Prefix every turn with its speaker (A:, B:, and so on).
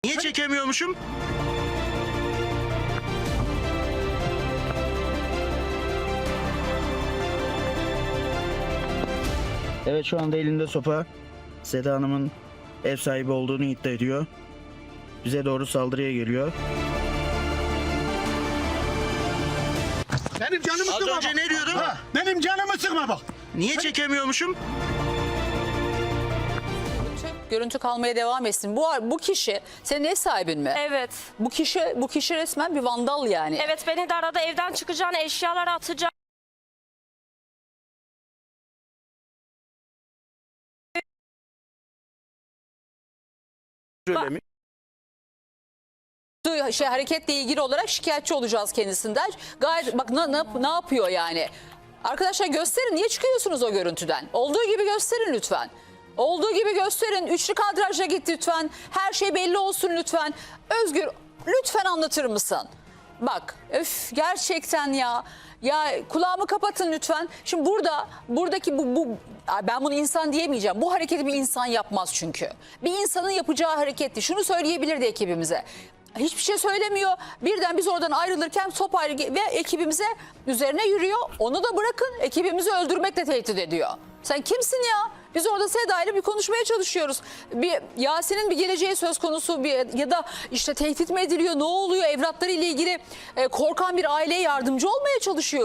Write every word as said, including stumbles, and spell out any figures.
A: Niye çekemiyormuşum? Evet, şu anda elinde sopa. Seda Hanım'ın ev sahibi olduğunu iddia ediyor. Bize doğru saldırıya geliyor.
B: Benim canımı
A: Az
B: sıkma
A: önce
B: bak.
A: ne diyordun?
B: Ha, benim canımı sıkma bak.
A: Niye çekemiyormuşum?
C: Görüntü kalmaya devam etsin. Bu bu kişi senin ev sahibin mi?
D: Evet.
C: Bu kişi bu kişi resmen bir vandal yani.
D: Evet, beni de arada evden çıkacağını, eşyaları atacağını.
A: Öyle mi?
C: Şey, hareketle ilgili olarak şikayetçi olacağız kendisinden. Gayet bak ne, ne, ne yapıyor yani. Arkadaşlar gösterin, niye çıkıyorsunuz o görüntüden? Olduğu gibi gösterin lütfen. Olduğu gibi gösterin. Üçlü kadrajla git lütfen. Her şey belli olsun lütfen. Özgür, lütfen anlatır mısın? Bak öf, gerçekten ya. Ya kulağımı kapatın lütfen. Şimdi burada buradaki bu, bu ben bunu insan diyemeyeceğim. Bu hareketi bir insan yapmaz çünkü. Bir insanın yapacağı hareketti. Şunu söyleyebilirdi ekibimize. Hiçbir şey söylemiyor. Birden biz oradan ayrılırken sopayla ve ekibimize üzerine yürüyor. Onu da bırakın, ekibimizi öldürmekle tehdit ediyor. Sen kimsin ya? Biz orada Seda ile bir konuşmaya çalışıyoruz. Bir Yasin'in bir geleceği söz konusu bir, ya da işte tehdit mi ediliyor, ne oluyor, evlatları ile ilgili e, korkan bir aileye yardımcı olmaya çalışıyor.